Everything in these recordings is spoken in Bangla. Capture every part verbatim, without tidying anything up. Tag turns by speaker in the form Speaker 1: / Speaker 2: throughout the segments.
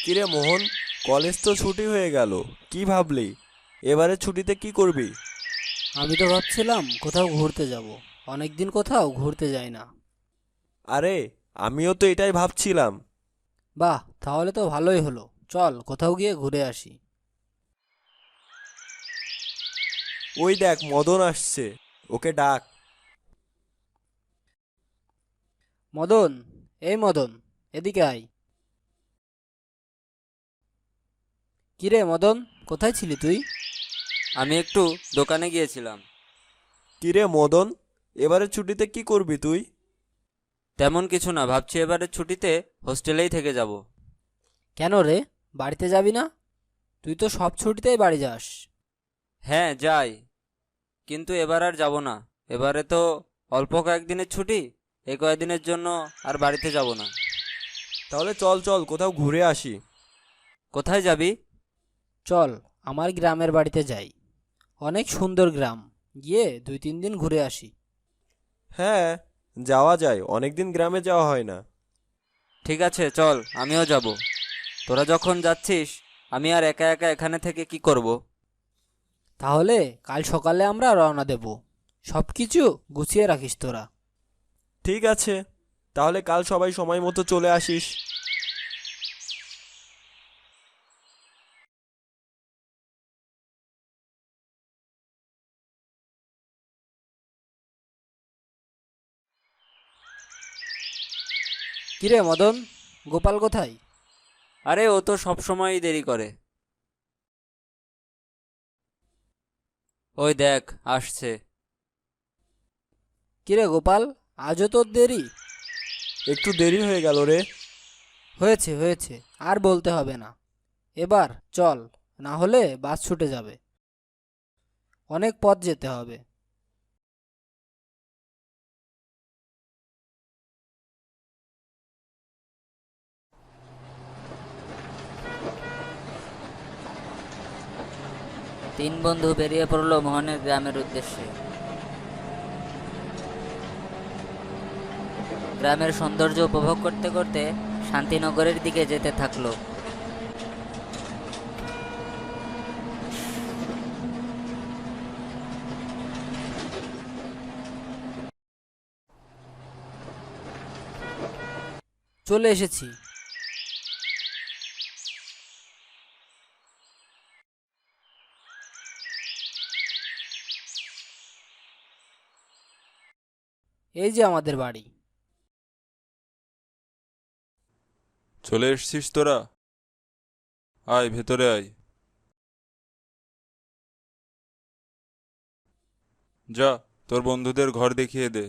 Speaker 1: কিরে মোহন, কলেজ তো ছুটি হয়ে গেল, কি ভাবলি? এবারে ছুটিতে কি করবি?
Speaker 2: আমি তো ভাবছিলাম কোথাও ঘুরতে যাব। অনেকদিন কোথাও ঘুরতে যাই না।
Speaker 1: আরে, আমিও তো এটাই ভাবছিলাম।
Speaker 2: বাহ, তাহলে তো ভালোই হলো। চল কোথাও গিয়ে ঘুরে আসি।
Speaker 1: ওই দেখ, মদন আসছে, ওকে ডাক।
Speaker 2: মদন, এই মদন, এদিকে আয়। কিরে মদন, কোথায় ছিলি তুই?
Speaker 3: আমি একটু দোকানে গিয়েছিলাম।
Speaker 1: কিরে মদন, এবারে ছুটিতে কি করবি তুই?
Speaker 3: তেমন কিছু না, ভাবছি এবারে ছুটিতে হোস্টেলেই থেকে যাব।
Speaker 2: কেন রে, বাড়িতে যাবি না? তুই তো সব ছুটিতেই বাড়ি যাস।
Speaker 3: হ্যাঁ যাই, কিন্তু এবার আর যাব না। এবারে তো অল্প কয়েকদিনের ছুটি, এই কয়েকদিনের জন্য আর বাড়িতে যাব না।
Speaker 1: তাহলে চল চল কোথাও ঘুরে আসি।
Speaker 3: কোথায় যাবি?
Speaker 2: চল আমার গ্রামের বাড়িতে যাই। অনেক সুন্দর গ্রাম, গিয়ে দুই তিন দিন ঘুরে আসি।
Speaker 1: হ্যাঁ, যাওয়া যায়, অনেকদিন গ্রামে যাওয়া হয় না।
Speaker 3: ঠিক আছে চল, আমিও যাব। তোরা যখন যাচ্ছিস, আমি আর একা একা এখানে থেকে কি করব?
Speaker 2: তাহলে কাল সকালে আমরা রওনা দেব। সব কিছু গুছিয়ে রাখিস তোরা।
Speaker 1: ঠিক আছে, তাহলে কাল সবাই সময় মতো চলে আসিস।
Speaker 2: কিরে মদন, গোপাল কোথায়?
Speaker 3: আরে ও তো সব সময়ই দেরি করে। ওই দেখ, আসছে।
Speaker 2: কিরে গোপাল, আজও তোর দেরি?
Speaker 1: একটু দেরি হয়ে গেল রে।
Speaker 2: হয়েছে হয়েছে, আর বলতে হবে না। এবার চল, না হলে বাস ছুটে যাবে। অনেক পথ যেতে হবে।
Speaker 4: তিন বন্ধু বেরিয়ে পড়ল মোহনের গ্রামের উদ্দেশ্যে। গ্রামের সৌন্দর্য উপভোগ করতে করতে শান্তিনগরের দিকে যেতে থাকলো।
Speaker 2: চলে এসেছি। এই যে আমাদের বাড়ি।
Speaker 5: চলে এসছিস তোরা? আয় ভেতরে আয়। যা, তোর বন্ধুদের ঘর দেখিয়ে দে।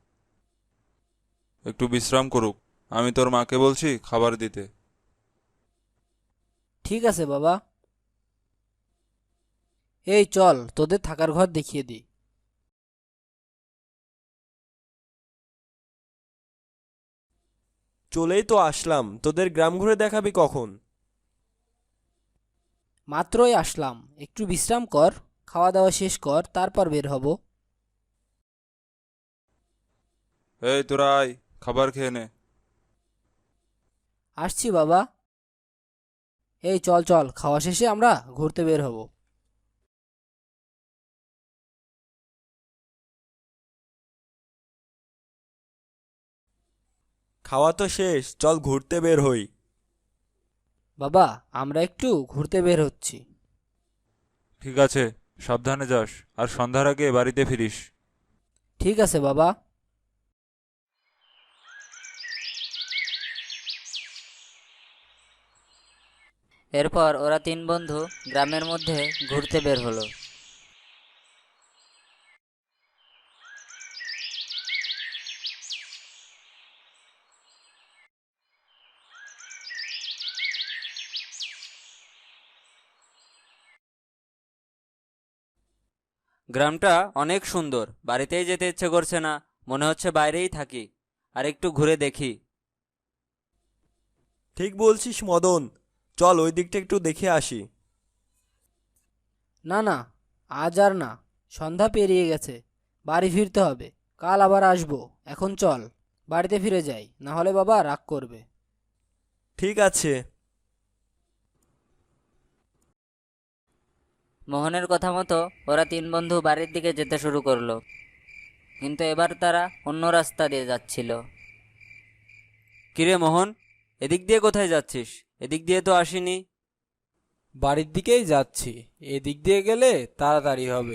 Speaker 5: একটু বিশ্রাম করুক। আমি তোর মাকে বলছি খাবার দিতে।
Speaker 2: ঠিক আছে বাবা। এই চল, তোদের থাকার ঘর দেখিয়ে দিই।
Speaker 1: চলেই তো আসলাম, তোদের গ্রাম ঘুরে দেখাবি কখন?
Speaker 2: মাত্রই আসলাম, একটু বিশ্রাম কর, খাওয়া দাওয়া শেষ কর, তারপর বের হব।
Speaker 5: এই তোরা আয়, খাবার খেয়ে নে।
Speaker 2: আসছি বাবা। এই চল চল, খাওয়া শেষে আমরা ঘুরতে বের হব।
Speaker 1: খাওয়া তো শেষ, চল ঘুরতে বের হই।
Speaker 2: বাবা, আমরা একটু ঘুরতে বের হচ্ছি।
Speaker 5: ঠিক আছে, সাবধানে যাস, আর সন্ধ্যার আগে বাড়িতে ফিরিস।
Speaker 2: ঠিক আছে বাবা।
Speaker 4: এরপর ওরা তিন বন্ধু গ্রামের মধ্যে ঘুরতে বের হলো।
Speaker 3: গ্রামটা অনেক সুন্দর, বাড়িতেই যেতে ইচ্ছে করছে না, মনে হচ্ছে বাইরেই থাকি আর একটু ঘুরে দেখি।
Speaker 1: ঠিক বলছিস মদন, চল ওই দিকটা একটু দেখে আসি।
Speaker 2: না না, আজ আর না, সন্ধ্যা পেরিয়ে গেছে। বাড়ি ফিরতে হবে, কাল আবার আসবো। এখন চল, বাড়িতে ফিরে যাই, না হলে বাবা রাগ করবে।
Speaker 1: ঠিক আছে।
Speaker 4: মোহনের কথা মতো ওরা তিন বন্ধু বাড়ির দিকে যেতে শুরু করলো, কিন্তু এবার তারা অন্য রাস্তা দিয়ে যাচ্ছিল।
Speaker 3: কিরে মোহন, এদিক দিয়ে কোথায় যাচ্ছিস? এদিক দিয়ে তো আসিনি।
Speaker 2: বাড়ির দিকেই যাচ্ছি, এদিক দিয়ে গেলে তাড়াতাড়ি হবে।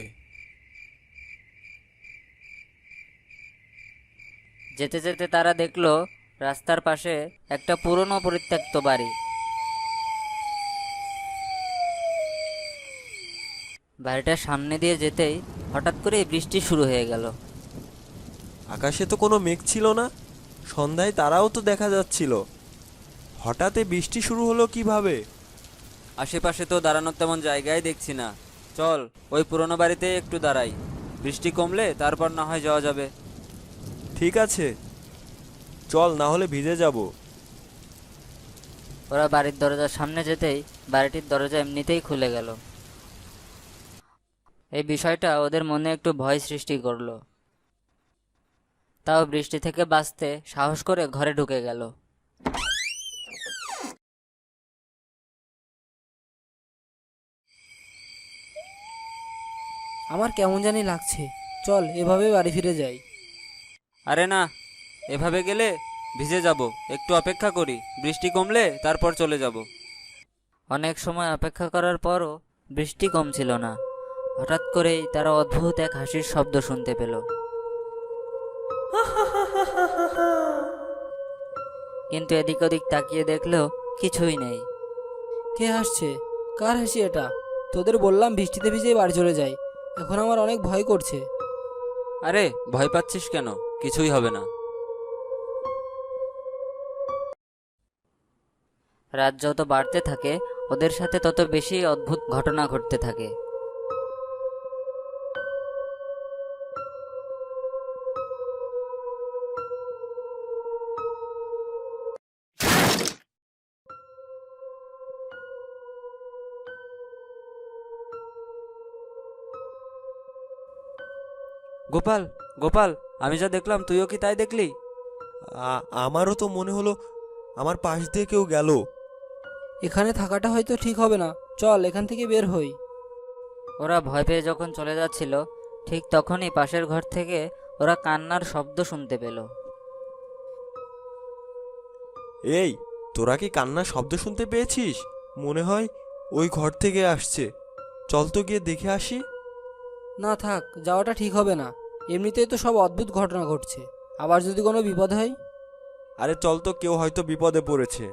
Speaker 4: যেতে যেতে তারা দেখলো রাস্তার পাশে একটা পুরনো পরিত্যক্ত বাড়ি। বাড়িটার সামনে দিয়ে যেতেই হঠাৎ করে বৃষ্টি শুরু হয়ে গেল।
Speaker 1: আকাশে তো কোনো মেঘ ছিল না, সন্ধ্যায় তারাও তো দেখা যাচ্ছিল। হঠাৎ এ বৃষ্টি শুরু হলো কিভাবে?
Speaker 3: আশেপাশে তো দাঁড়ানোর তেমন জায়গায় দেখছি না। চল ওই পুরনো বাড়িতে একটু দাঁড়াই, বৃষ্টি কমলে তারপর না হয় যাওয়া যাবে।
Speaker 1: ঠিক আছে, চল, না হলে ভিজে যাব।
Speaker 4: ওরা বাড়ির দরজার সামনে যেতেই বাড়িটির দরজা এমনিতেই খুলে গেল। এই বিষয়টা ওদের মনে একটু ভয় সৃষ্টি করলো। তাও বৃষ্টি থেকে বাঁচতে সাহস করে ঘরে ঢুকে গেল।
Speaker 2: আমার কেমন জানি লাগছে, চল এভাবে বাড়ি ফিরে যাই।
Speaker 3: আরে না, এভাবে গেলে ভিজে যাব। একটু অপেক্ষা করি, বৃষ্টি কমলে তারপর চলে যাব।
Speaker 4: অনেক সময় অপেক্ষা করার পরও বৃষ্টি কমছিল না। হঠাৎ করেই তারা অদ্ভুত এক হাসির শব্দ শুনতে পেল। কিন্তু এদিক ওদিক তাকিয়ে দেখলেও কিছুই নেই।
Speaker 2: কে হাসছে? কার হাসি এটা? তোদের বললাম বৃষ্টিতে ভিজেই বাড়ি চলে যাই, এখন আমার অনেক ভয় করছে।
Speaker 3: আরে ভয় পাচ্ছিস কেন? কিছুই হবে না।
Speaker 4: রাত যত বাড়তে থাকে ওদের সাথে তত বেশি অদ্ভুত ঘটনা ঘটতে থাকে।
Speaker 3: গোপাল, গোপাল, আমি যা দেখলাম তুইও কি তাই দেখলি?
Speaker 1: আ- আমারও তো মনে হলো আমার পাশ দিয়ে কেউ গেল।
Speaker 2: এখানে থাকাটা হয়তো ঠিক হবে না, চল এখান থেকে বের হই।
Speaker 4: ওরা ভয় পেয়ে যখন চলে যাচ্ছিল ঠিক তখনই পাশের ঘর থেকে ওরা কান্নার শব্দ শুনতে পেল।
Speaker 1: এই, তোরা কি কান্নার শব্দ শুনতে পেয়েছিস? মনে হয় ওই ঘর থেকে আসছে। চল তো গিয়ে দেখে আসি।
Speaker 2: না থাক, যাওয়াটা ঠিক হবে না। এমনিতেই তো সব অদ্ভুত ঘটনা ঘটছে, আবার যদি কোনো বিপদ হয়।
Speaker 1: আরে চল তো, কেউ হয়তো বিপদে পড়েছে।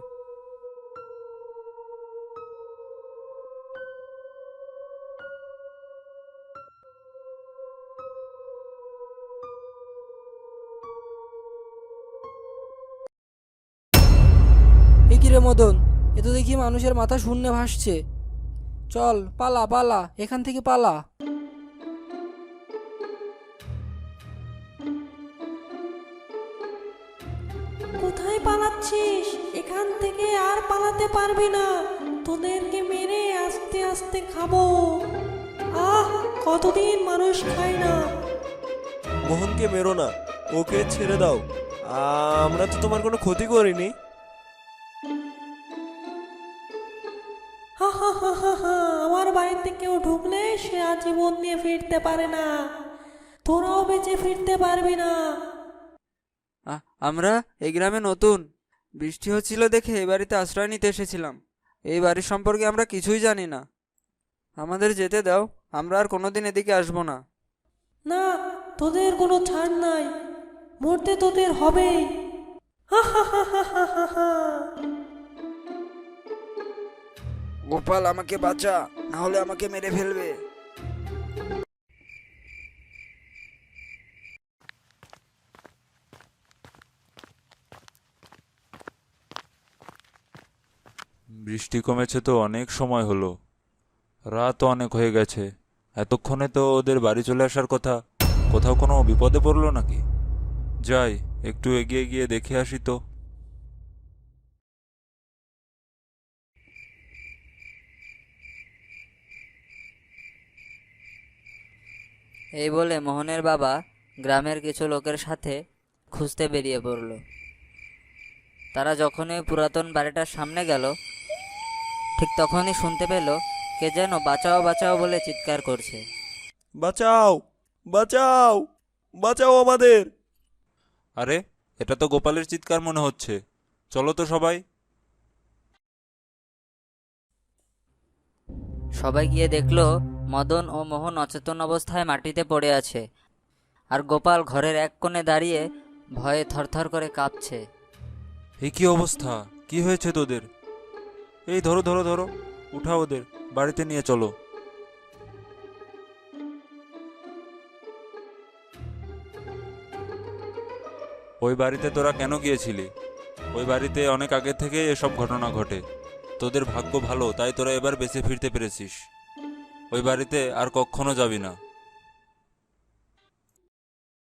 Speaker 2: এ কি রে মদন, এ তো দেখি মানুষের মাথা শূন্যে ভাসছে। চল পালা পালা, এখান থেকে পালা।
Speaker 6: কোথায় পালাচ্ছিস? এখান থেকে আর পালাতে পারবি না, তোদেরকে মেরে আস্তে আস্তে খাবো। আহ, কতদিন মানুষ খায় না।
Speaker 1: মোহনকে মেরো না, ওকে ছেড়ে দাও। আমরা তো তোমার কোনো ক্ষতি করিনি।
Speaker 6: হা হা হা হা হা, আমার বাড়িতে কেউ ঢুকলে সে আজীবন নিয়ে ফিরতে পারে না, তোরাও বেঁচে ফিরতে পারবি না।
Speaker 3: আ- আমরা এই গ্রামে নতুন, বৃষ্টি হচ্ছিল দেখে এই বাড়িতে আশ্রয় নিতে এসেছিলাম। এই বাড়ির সম্পর্কে আমরা কিছুই জানি না। আমাদের যেতে দাও, আমরা আর কোনোদিন এদিকে আসবো না।
Speaker 6: না, তোদের কোনো ছাড় নাই, মরতে তোদের হবেই। হা হা হা হা হা হা হা।
Speaker 3: গোপাল, আমাকে বাঁচা, না হলে আমাকে মেরে ফেলবে।
Speaker 5: বৃষ্টি কমেছে তো অনেক সময় হলো, রাত অনেক হয়ে গেছে। এতক্ষণে তো ওদের বাড়ি চলে আসার কথা। কোথাও কোনো বিপদে পড়লো নাকি? যাই, একটু এগিয়ে গিয়ে দেখে আসি তো।
Speaker 4: এই বলে মোহনের বাবা গ্রামের কিছু লোকের সাথে খুঁজতে বেরিয়ে পড়ল। তারা যখনই পুরাতন বাড়িটার সামনে গেল ঠিক তখনই শুনতে পেল কে যেন বাঁচাও বাঁচাও বলে চিৎকার করছে।
Speaker 1: বাঁচাও, বাঁচাও, বাঁচাও আমাদের!
Speaker 5: আরে, এটা তো গোপালের চিৎকার মনে হচ্ছে। চলো তো সবাই।
Speaker 4: সবাই গিয়ে দেখলো মদন ও মোহন অচেতন অবস্থায় মাটিতে পড়ে আছে, আর গোপাল ঘরের এক কোণে দাঁড়িয়ে ভয়ে থরথর করে কাঁপছে।
Speaker 5: এই কি অবস্থা? কি হয়েছে তোদের? এই ধরো ধরো ধরো, উঠাও ওদের, বাড়িতে নিয়ে চলো। ওই বাড়িতে তোরা কেন গিয়েছিলি? ওই বাড়িতে অনেক আগে থেকে এসব ঘটনা ঘটে। তোদের ভাগ্য ভালো, তাই তোরা এবার বেঁচে ফিরতে পেরেছিস। ওই বাড়িতে আর কখনো যাবি না।